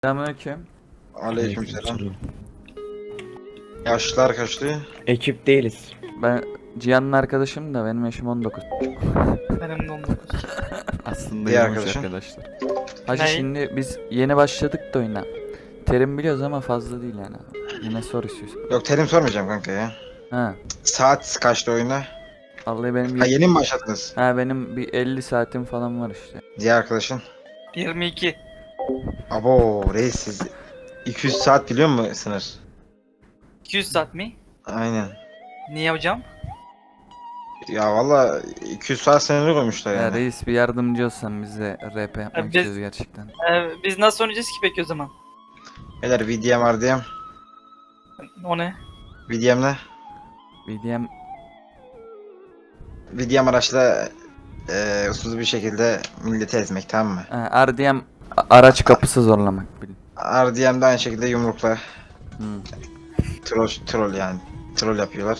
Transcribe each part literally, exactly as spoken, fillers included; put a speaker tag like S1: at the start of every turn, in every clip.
S1: Selamünaleyküm.
S2: Aleykümselam. Yaşlılar kaçtı?
S3: Ekip değiliz.
S1: Ben Cihan'ın arkadaşım da benim yaşım on dokuz.
S4: Benim de on dokuz.
S1: Aslında
S2: Diğer
S1: yirmi üç
S2: arkadaşın?
S1: arkadaşlar. Hacı
S4: Ne?
S1: şimdi biz yeni başladık da oyuna. Terim biliyoruz ama fazla değil yani. Yine sor istiyorsun.
S2: Yok terim sormayacağım kanka ya.
S1: Ha.
S2: Saat kaçtı oyuna?
S1: Vallahi benim
S2: Ha
S1: y-
S2: yeni mi başladınız?
S1: ha benim bir elli saatim falan var işte.
S2: Diğer arkadaşın?
S4: yirmi iki.
S2: Abo reis siz iki yüz saat biliyor musun sınır?
S4: iki yüz saat mi?
S2: Aynen.
S4: Niye hocam?
S2: Ya valla iki yüz saat sınırı koymuşlar
S1: Ya
S2: yani.
S1: reis bir yardımcı olsan bize R P yapmak
S4: Ya biz-
S1: istiyoruz gerçekten.
S4: Ee, biz nasıl oynayacağız ki peki o zaman?
S2: Beyler V D M R D M.
S4: O ne?
S2: V D M ne?
S1: B D M
S2: V D M araçla e, usulsüz bir şekilde milleti ezmek, tamam mı?
S1: ha, R D M a- araç kapısı zorlamak bilin.
S2: R D M de aynı şekilde yumrukla
S1: Hmm.
S2: troll, troll yani. Troll yapıyorlar.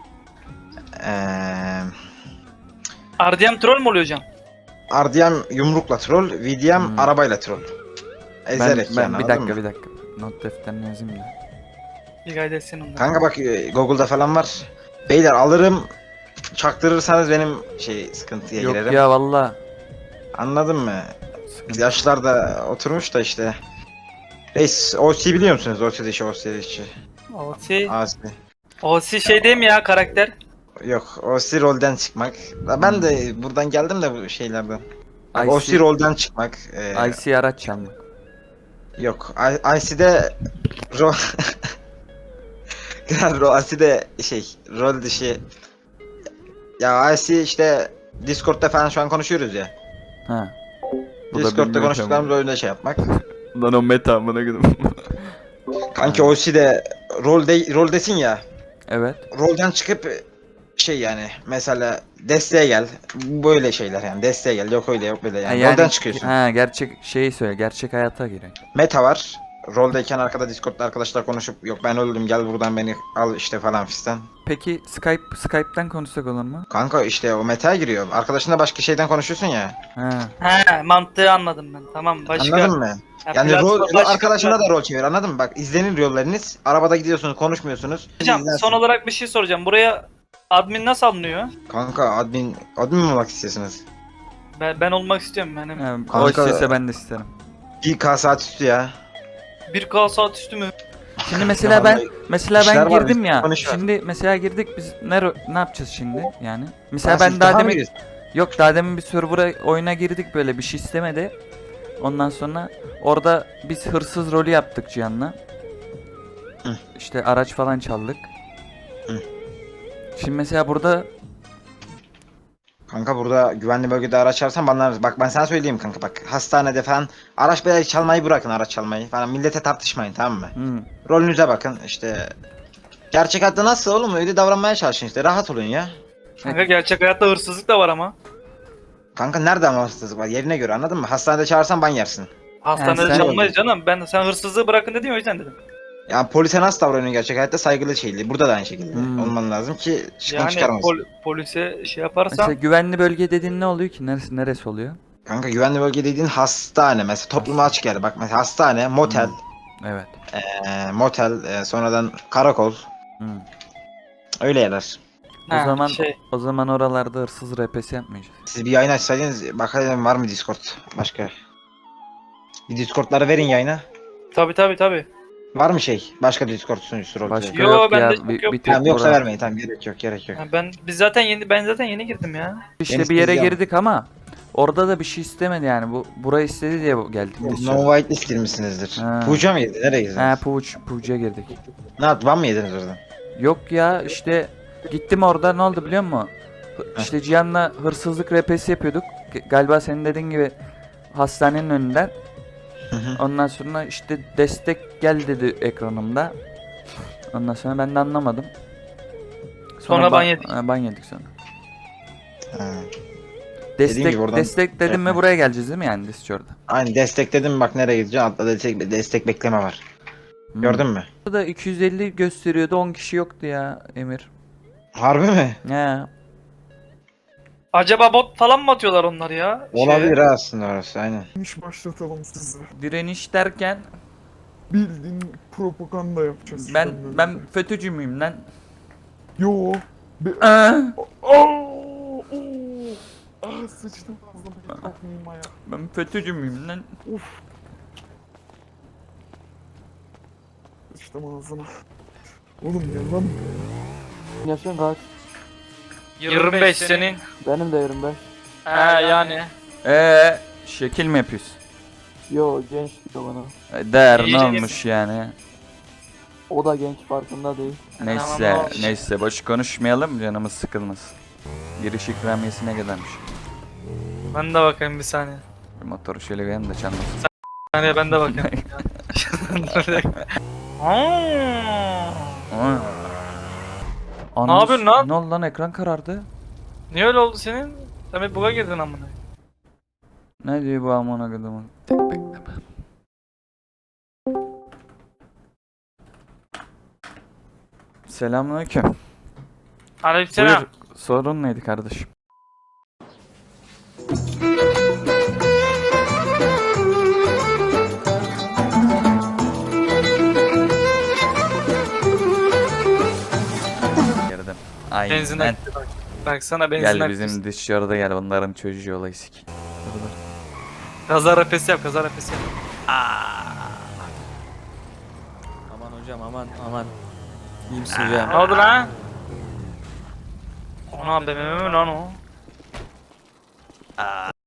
S2: Eee...
S4: R D M troll mü oluyor hocam?
S2: R D M yumrukla troll, V D M
S1: Hmm.
S2: arabayla troll.
S1: Ben,
S2: Ezerek
S1: ben
S2: yani,
S1: bir
S2: anladın
S1: dakika
S2: mı?
S1: bir dakika. Not defterine yazayım da.
S4: Bir gayet etsin ondan.
S2: Kanka bak e, Google'da falan var. Beyler alırım, çaktırırsanız benim şey sıkıntıya
S1: Yok
S2: girerim.
S1: ya valla.
S2: Anladın mı?
S1: Sıkıntı.
S2: Yaşlılar da oturmuş da işte. Reis, O C biliyor musunuz? O C işi, O C işi.
S4: O C.
S2: A C.
S4: O C şey değil mi ya karakter?
S2: Yok, O C rolden çıkmak. Ya Ben de buradan geldim de bu şeylerden. Bak,
S1: I
S2: O
S1: C
S2: C rolden çıkmak. E,
S1: I C araç çalmak.
S2: Yok, I- I C'de rol... Ro- I C'de şey, rol dışı... Ya I C işte Discord'da falan şu an konuşuyoruz ya.
S1: Ha. Bu da
S2: Discord'da
S1: bilmiyorum
S2: konuştuklarımız oyunda şey yapmak.
S1: ama. Lan o meta amına gülüm.
S2: Kanki O C'de rol de, rol desin ya.
S1: Evet.
S2: Rolden çıkıp şey yani mesela desteğe gel. Böyle şeyler yani desteğe gel. Yok öyle yok böyle yani.
S1: Ha,
S2: Rolden çıkıyorsun.
S1: Ha gerçek şeyi söyle. Gerçek hayata giriyor.
S2: Meta var. Roldeyken arkada Discord'da arkadaşlar konuşup yok ben öldüm gel buradan beni al işte falan fistan.
S1: Peki Skype Skype'ten konuşsak olur mu?
S2: Kanka işte o meta'ya giriyor. Arkadaşınla başka şeyden konuşuyorsun ya.
S1: Ha.
S4: He mantığı anladım ben. Tamam başka.
S2: Anladın mı?
S4: Ha,
S2: Yani
S4: platform
S2: rol,
S4: başka
S2: arkadaşına
S4: platform.
S2: da rol çevir anladın mı? Bak izlenir yollarınız. Arabada gidiyorsunuz konuşmuyorsunuz.
S4: Hocam
S2: İzlensin.
S4: son olarak bir şey soracağım. Buraya admin nasıl alınıyor?
S2: Kanka admin, admin mi olmak istiyorsunuz?
S4: Ben, ben olmak istiyorum benim.
S1: Ha, o
S2: Kanka-
S1: istese ben de isterim.
S2: bir K saat üstü ya.
S4: bir K saat üstü mü?
S1: Şimdi mesela ben
S2: vallahi
S1: mesela
S2: işler
S1: ben
S2: var,
S1: girdim
S2: bir
S1: ya.
S2: konuş var.
S1: Şimdi mesela girdik biz ne ro- ne yapacağız şimdi yani? Mesela
S2: Sen
S1: ben daha
S2: ilk defa mı
S1: demin
S2: giriyorsun?
S1: yok daha demin bir server'a oyuna girdik böyle bir şey istemedi. Ondan sonra orada biz hırsız rolü yaptık Cihan'la.
S2: Hı.
S1: İşte araç falan çaldık.
S2: Hı.
S1: Şimdi mesela burada
S2: Kanka burada güvenli bölgede araç çalarsan bana bak ben sana söyleyeyim kanka bak hastanede falan araç böyle çalmayı bırakın araç çalmayı falan millete tartışmayın tamam mı?
S1: hı,
S2: Rolünüze bakın işte gerçek hayatta nasıl oğlum öyle davranmaya çalışın işte rahat olun ya.
S4: Kanka gerçek hayatta hırsızlık da var ama.
S2: Kanka nerede ama hırsızlık var yerine göre anladın mı? Hastanede çağırsan ban yersin.
S4: Hastanede
S1: sen-
S4: çalmayız canım. Ben sen hırsızlığı bırakın dedim o yüzden dedim.
S2: Yani polise nasıl davranıyorsun gerçek hayatta saygılı şeyli burada da aynı şekilde
S1: Hmm.
S2: olman lazım ki sıkıntı
S4: Yani
S2: çıkarmasın.
S4: pol- polise şey yaparsan
S1: mesela güvenli bölge dediğin ne oluyor ki? Neresi neresi oluyor?
S2: Kanka güvenli bölge dediğin hastane mesela topluma açık yer bak mesela hastane motel
S1: Evet.
S2: eee, motel eee, sonradan karakol
S1: Hı.
S2: öyle yerler.
S1: O
S4: Ha,
S1: zaman
S4: şey
S1: o zaman oralarda hırsız R P'si yapmayacağız.
S2: Siz bir yayın açsaydınız bakalım var mı Discord başka? Bir Discord'ları verin yayına.
S4: tabi tabi tabi.
S2: Var mı şey? Başka Discord sunucusu rol
S1: Başka
S2: play?
S4: Yo,
S1: yok
S4: bende
S1: ya.
S4: çok
S1: Bir,
S4: yok.
S1: bir tek
S2: Tamam yoksa
S1: bura.
S2: vermeyin tamam gerek yok gerek yok.
S4: Ha, ben biz zaten yeni ben zaten yeni girdim ya.
S1: İşte
S2: Yeni
S1: bir yere
S2: sezon.
S1: girdik ama orada da bir şey istemedi yani. Bu burayı istedi diye bu- geldik biz. şu an.
S2: No whitelist girmişsinizdir.
S1: Ha.
S2: Puca mı yedin? Nereye girdiniz?
S1: He Puç, Puç'a girdik.
S2: Ne yaptı? Ban mı yediniz oradan?
S1: Yok ya işte gittim orada ne oldu biliyor musun? Hı- İşte Cihan'la hırsızlık R P'si yapıyorduk. G- Galiba senin dediğin gibi hastanenin önünden.
S2: Hı hı.
S1: Ondan sonra işte destek gel dedi ekranımda. Ondan sonra ben de anlamadım.
S4: Sonra ban yedik.
S1: Ha, ban yedik sonra.
S2: Ha.
S1: Destek
S2: gibi oradan-
S1: destek dedim mi
S2: Evet.
S1: buraya geleceğiz değil mi yani Discord'a?
S2: Aynı destekledim bak nereye gideceğim altta destek, destek bekleme var.
S1: Hmm.
S2: Gördün mü?
S1: Burada iki yüz elli gösteriyordu on kişi yoktu ya Emir.
S2: Harbi mi?
S1: He.
S4: Acaba bot falan mı atıyorlar onlar ya? Şeye?
S2: Olabilir ha aslında orası aynen.
S5: İş başlatalım sizi.
S1: Direniş derken
S3: Bildiğin propaganda yapacağız.
S1: Ben
S3: seninle.
S1: ben FETÖ'cü müyüm lan?
S3: Yo. Be
S1: Aa,
S3: Aa! Oo! Ah sıçtım ağzıma kalkmayayım ya.
S1: ben FETÖ'cü müyüm lan?
S3: Uf. Sıçtım ağzına. Oğlum gel lan.
S5: Yaşın kaç?
S4: yirmi beş senin.
S5: Benim de yirmi beş.
S4: He yani.
S1: Eee şekil mi yapıyorsun?
S5: Yo genç diyor bana.
S1: E, Değer
S4: İyice
S1: ne olmuş yani?
S5: O da genç farkında değil.
S1: Neyse
S4: Tamam, olmuş.
S1: neyse boş konuşmayalım canımız sıkılmasın. Giriş ikramiyesi ne kadarmış?
S4: Ben de bakayım bir saniye.
S1: Bir motoru şöyle bir de çalmasın.
S4: Bir saniye ben de bakayım. Aa!
S1: Aa.
S4: Ne yapıyorsun lan?
S1: Ne oldu lan ekran karardı?
S4: Niye öyle oldu senin? Sen bir buga girdin amına.
S1: Ne diyor bu amına kodumun? Tek bekleme. Selamünaleyküm.
S4: Aleykümselam.
S1: Buyur. Sorun neydi kardeşim? Girdim. Aynen.
S4: Benzin aktı bak. Baksana benzin
S1: Gel
S4: aktı.
S1: bizim dışarıda gel onların çocuğu olayı sik. Dur, dur.
S4: Kaza rapesi yap, kaza rapesi yap.
S6: Aman hocam aman aman. İyi misin hocam?
S4: Ne oldu lan? Ana B M W mi lan o?